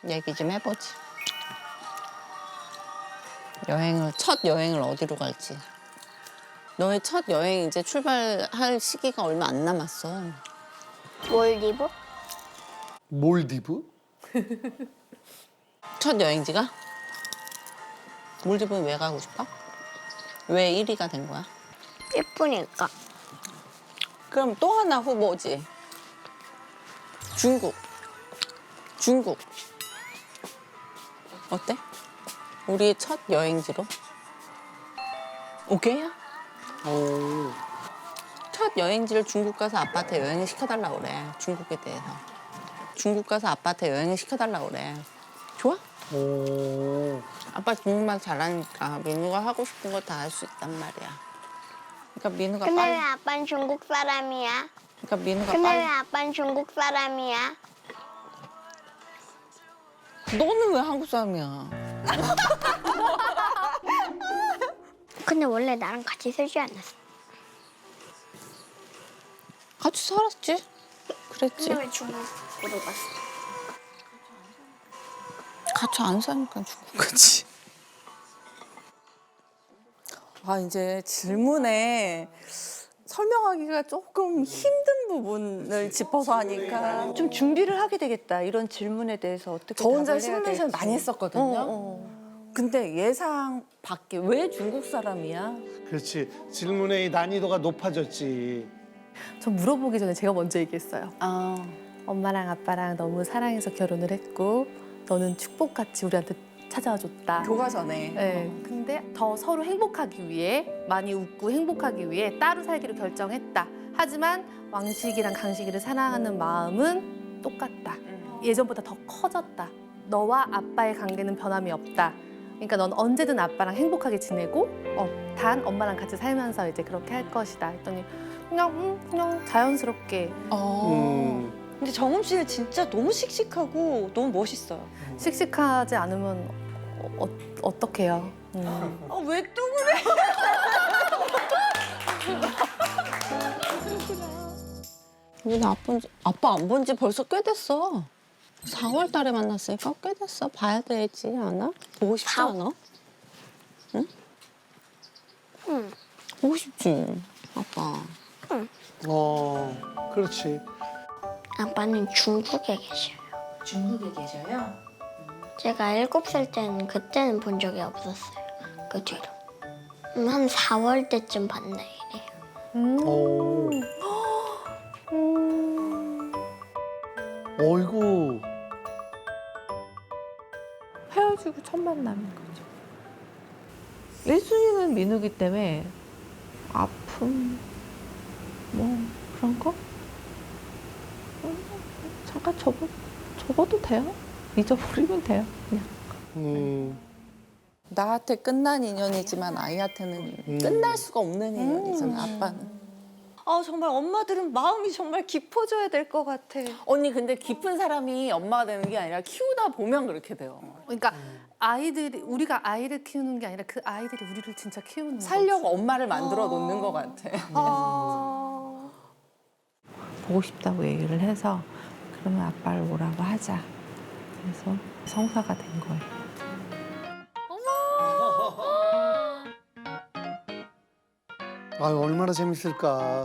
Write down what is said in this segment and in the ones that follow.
얘기 좀 해보지. 첫 여행을 어디로 갈지. 너의 첫 여행 이제 출발할 시기가 얼마 안 남았어. 몰디브? 몰디브? 첫 여행지가? 몰디브는 왜 가고 싶어? 왜 1위가 된 거야? 예쁘니까. 그럼 또 하나 후보지. 중국. 중국. 어때? 우리 첫 여행지로? 오케이야? 오. 첫 여행지를 중국 가서 아빠한테 여행을 시켜달라고 그래. 중국에 대해서. 중국 가서 아빠한테 여행을 시켜달라고 그래. 좋아? 오. 아빠 중국말 잘하니까 민우가 하고 싶은 거 다 할 수 있단 말이야. 그러니까 민우가 근데 왜 빨리. 아빠는 중국 사람이야? 그러니까 민우가 근데 왜 빨리. 아빠는 중국 사람이야? 너는 왜 한국 사람이야? 근데 원래 나랑 같이 살지 않았어. 같이 살았지? 그랬지. 근데 왜 중국으로 갔어? 같이 안 사니까 중국 가지. 아 이제 질문에 설명하기가 조금 힘든 부분을 짚어서 하니까 좀 준비를 하게 되겠다. 이런 질문에 대해서 어떻게 저 혼자 답을 해야 시뮬레이션 될지. 많이 했었거든요. 근데 예상 밖에 왜 중국 사람이야? 그렇지. 질문의 난이도가 높아졌지. 저 물어보기 전에 제가 먼저 얘기했어요. 아 엄마랑 아빠랑 너무 사랑해서 결혼을 했고 너는 축복같이 우리한테 찾아와 줬다. 교과서네. 네, 근데 더 서로 행복하기 위해 많이 웃고 행복하기 위해 따로 살기로 결정했다. 하지만 왕식이랑 강식이를 사랑하는 마음은 똑같다. 예전보다 더 커졌다. 너와 아빠의 관계는 변함이 없다. 그러니까 넌 언제든 아빠랑 행복하게 지내고 단 엄마랑 같이 살면서 이제 그렇게 할 것이다. 했더니 그냥 자연스럽게 근데 정음 씨는 진짜 너무 씩씩하고 너무 멋있어요. 씩씩하지 않으면 어떡해요. 왜 또 그래? 우리 아빠 안 본 지 벌써 꽤 됐어. 4월 달에 만났으니까 꽤 됐어. 봐야 되지 않아? 보고 싶지 않아? 응? 응. 보고 싶지, 아빠. 그렇지. 아빠는 중국에 계셔요. 중국에 계셔요? 제가 7살 때는 그때는 본 적이 없었어요. 그 뒤로. 한 4월 때쯤 봤나 이래요. 오. 어이구. 헤어지고 첫 만남인 거죠. 1순위는 민우기 때문에 아픔 뭐 그런 거? 잠깐 접어도 돼요. 잊어버리면 돼요. 그냥. 나한테 끝난 인연이지만 아이한테는 끝날 수가 없는 인연이잖아, 아빠는. 정말 엄마들은 마음이 정말 깊어져야 될 것 같아. 언니, 근데 깊은 사람이 엄마가 되는 게 아니라 키우다 보면 그렇게 돼요. 그러니까 우리가 아이를 키우는 게 아니라 그 아이들이 우리를 진짜 키우는 거지. 살려고 엄마를 만들어 놓는 것 같아. 보고 싶다고 얘기를 해서 그러면 아빠를 오라고 하자. 그래서 성사가 된 거예요. 아유, 얼마나 재밌을까.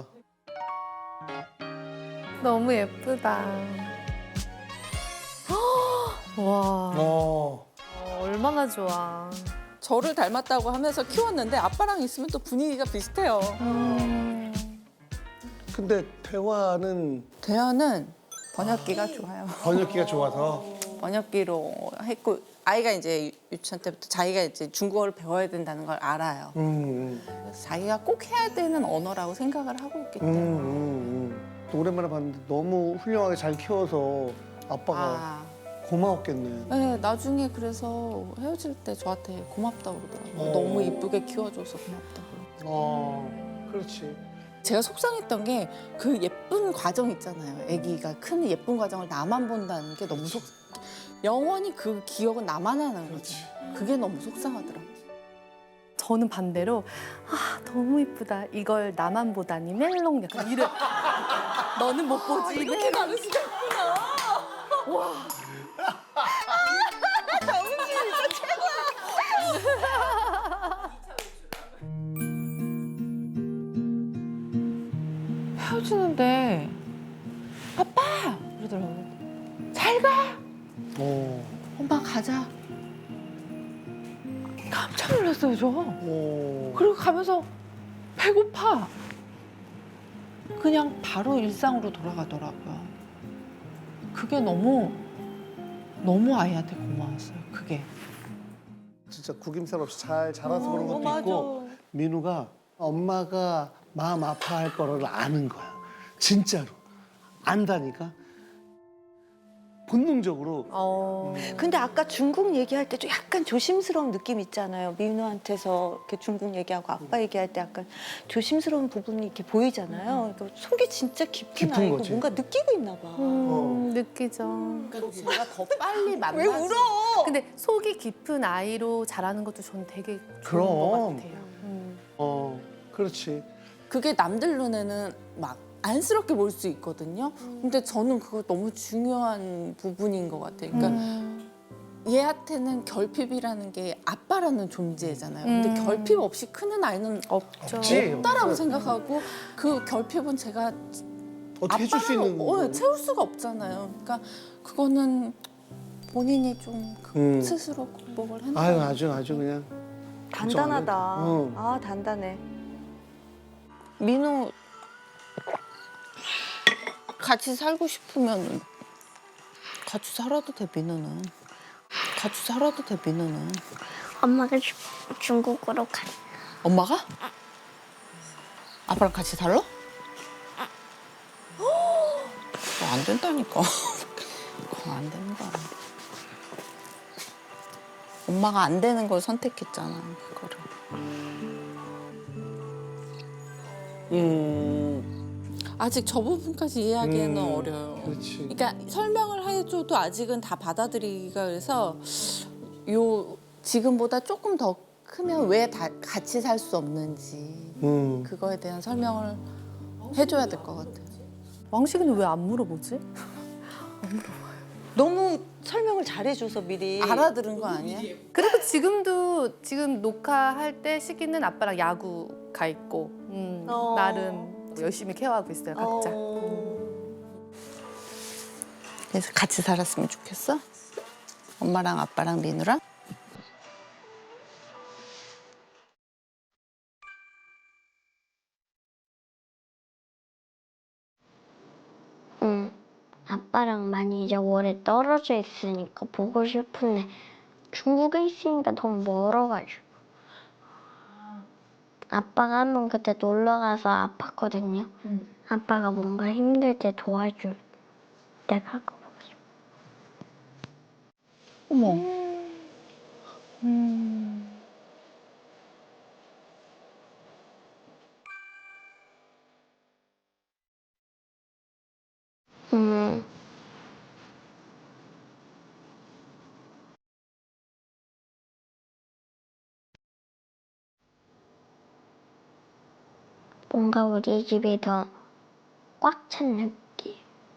너무 예쁘다. 와, 얼마나 좋아. 저를 닮았다고 하면서 키웠는데 아빠랑 있으면 또 분위기가 비슷해요. 근데 대화는 대화는 번역기가 좋아요. 번역기가 좋아서. 번역기로 했고 아이가 이제 유치원 때부터 자기가 이제 중국어를 배워야 된다는 걸 알아요. 그래서 자기가 꼭 해야 되는 언어라고 생각을 하고 있기 때문에. 또 오랜만에 봤는데 너무 훌륭하게 잘 키워서 아빠가 아, 고마웠겠네. 네, 나중에 그래서 헤어질 때 저한테 고맙다고 그러더라고요. 너무 이쁘게 키워줘서 고맙다고. 그렇지. 제가 속상했던 게 그 예쁜 과정 있잖아요. 아기가 큰 예쁜 과정을 나만 본다는 게 너무 영원히 그 기억은 나만 하는 거지. 그게 너무 속상하더라고요. 저는 반대로 너무 이쁘다. 이걸 나만 보다니 멜롱 약간 이래. 너는 못 보지. 이렇게 가는 수가 있구나. 와. 잘 가. 어. 엄마 가자. 깜짝 놀랐어요 저. 어. 그리고 가면서 배고파. 그냥 바로 일상으로 돌아가더라고요. 그게 너무 아이한테 고마웠어요. 그게. 진짜 구김살 없이 잘 자라서 그런 것도 맞아. 있고 민우가 엄마가 마음 아파할 거를 아는 거야. 진짜로. 안다니까. 본능적으로. 근데 아까 중국 얘기할 때 좀 약간 조심스러운 느낌 있잖아요. 민우한테서 이렇게 중국 얘기하고 아빠 얘기할 때 약간 조심스러운 부분이 이렇게 보이잖아요. 그러니까 속이 진짜 깊은 깊은 아이고 거지. 뭔가 느끼고 있나 봐. 느끼죠. 그러니까 제가 더 빨리 만나지. 왜 울어? 근데 속이 깊은 아이로 자라는 것도 저는 되게 좋은 그럼. 것 같아요. 그렇지. 그게 남들 눈에는 막 안쓰럽게 보일 수 있거든요. 근데 저는 그거 너무 중요한 부분인 것 같아요. 그러니까 얘한테는 결핍이라는 게 아빠라는 존재잖아요. 근데 결핍 없이 크는 아이는 없죠. 없지. 없다라고 생각하고 그 결핍은 제가 어떻게 해줄 수 있는 거. 채울 수가 없잖아요. 그러니까 그거는 본인이 좀 스스로 극복을 해야 아유 아주 그냥 단단하다. 응. 아 단단해. 민우 같이 살고 싶으면 같이 살아도 돼. 민우는 같이 살아도 돼. 민우는 엄마가 중국으로 가. 엄마가 아빠랑 같이 살러? 그거 안 된다니까. 그거 안 된다. 엄마가 안 되는 걸 선택했잖아. 그거를. 아직 저 부분까지 이해하기에는 어려요. 그렇지. 그러니까 설명을 해줘도 아직은 다 받아들이기가 그래서 요 지금보다 조금 더 크면 왜 다 같이 살 수 없는지 그거에 대한 설명을 해줘야 될 것 같아요. 왕식이는 왜 안 물어보지? 너무 설명을 잘해줘서 미리. 알아들은 거 아니야? 그리고 지금 녹화할 때 시기는 아빠랑 야구 가 있고 나름 열심히 케어하고 있어요 각자. 그래서 같이 살았으면 좋겠어? 엄마랑 아빠랑 민우랑? 응. 아빠랑 많이 이제 오래 떨어져 있으니까 보고 싶은데 중국에 있으니까 너무 멀어가지고. 아빠가 한번 그때 놀러 가서 아팠거든요. 아빠가 뭔가 힘들 때 도와줄 때가 가고 싶어. 어머. 음. 뭔가 우리 집이 더 꽉 찬 느낌.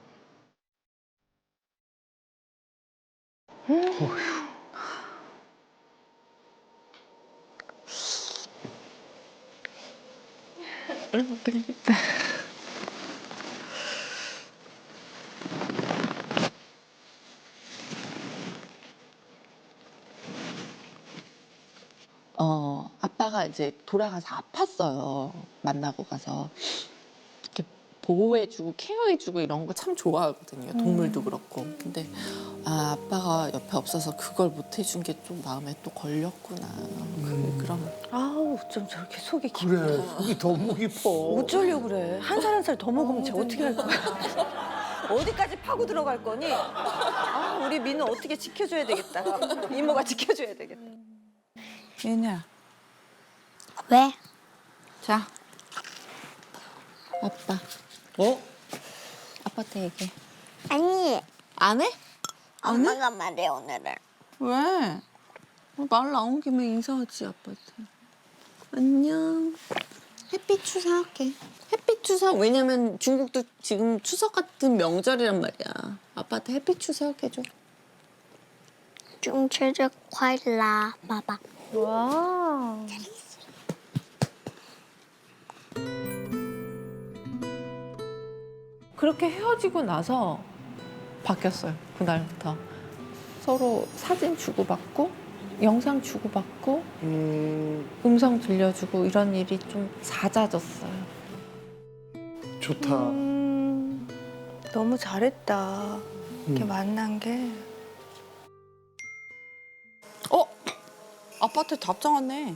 아빠가 이제 돌아가서 아팠어요. 만나고 가서. 이렇게 보호해주고 케어해주고 이런 거 참 좋아하거든요. 동물도 그렇고. 근데 아빠가 옆에 없어서 그걸 못 해준 게 좀 마음에 또 걸렸구나. 그런. 아우 좀 저렇게 속이 깊어. 그래. 속이 너무 깊어. 어쩌려고 그래. 한 살 한 살 더 먹으면 쟤 어떻게 할 거야? 어디까지 파고 들어갈 거니? 아, 우리 민우 어떻게 지켜줘야 되겠다. 이모가 지켜줘야 되겠다. 민우야, 왜? 자. 아빠. 어? 아빠한테 얘기해. 아니, 안 해? 엄마가 말해 오늘은. 왜? 말 나온 김에 인사하지 아빠한테. 안녕. 햇빛 추석해. 햇빛 추석. 왜냐면 중국도 지금 추석 같은 명절이란 말이야. 아빠한테 햇빛 추석 해줘. 中秋节快乐，爸爸。 와. 그렇게 헤어지고 나서 바뀌었어요. 그날부터 서로 사진 주고받고 영상 주고받고 음성 들려주고 이런 일이 좀 잦아졌어요. 좋다. 너무 잘했다. 이렇게 만난 게. 아파트 답장 왔네.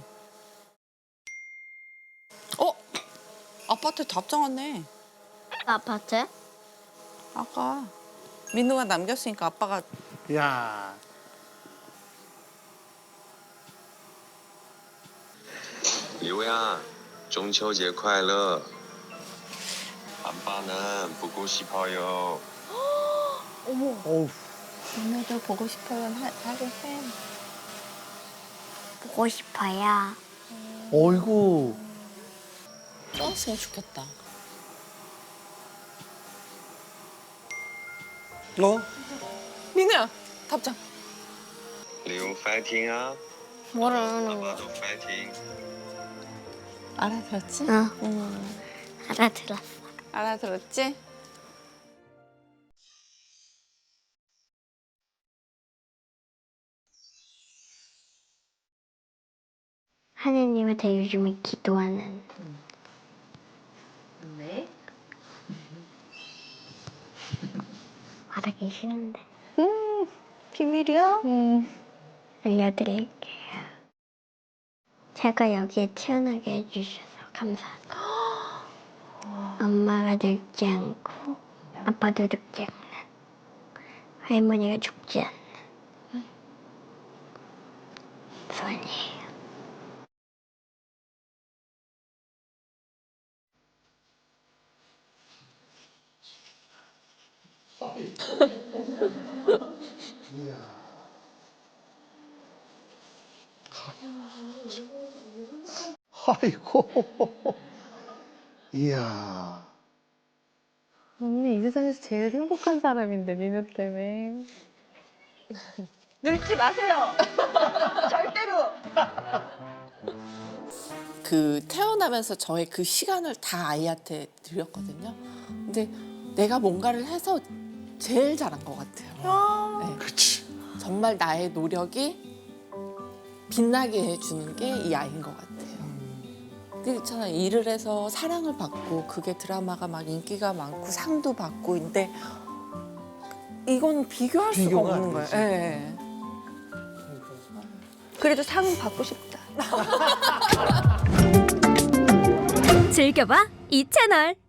아파트 답장 왔네. 아파트? 아까 민우가 남겼으니까 아빠가 야. 리우야, 中秋节快乐. 아빠는 보고 싶어요. 어우. 너네도 보고 싶어요. 하긴 해. 보고 싶어요. 어이구. 떠났으면 좋겠다. 어? 민우야 답장. 리우 파이팅아. 뭐라는 거야? 아빠도 파이팅. 알아들었지? 알아들었어. 알아들었지? 하느님한테 요즘에 기도하는. 네. 말하기 싫은데. 비밀이야? 알려드릴게요. 제가 여기에 태어나게 해주셔서 감사합니다. 엄마가 늙지 않고 아빠도 늙지 않는 할머니가 죽지 않는 소원이에요. 아이고. 이야. 언니 이 세상에서 제일 행복한 사람인데 민우 때문에. 늙지 마세요. 절대로. 그 태어나면서 저의 그 시간을 다 아이한테 드렸거든요. 근데 내가 뭔가를 해서 제일 잘한 것 같아요. 네. 그치. 정말 나의 노력이 빛나게 해주는 게 이 아이인 것 같아요. 그렇잖아. 일을 해서 사랑을 받고 그게 드라마가 막 인기가 많고 상도 받고 근데 이건 비교할 수가 비교가 안 없는 거예요. 되지. 예. 그래도 상 받고 싶다. 즐겨봐 이 채널.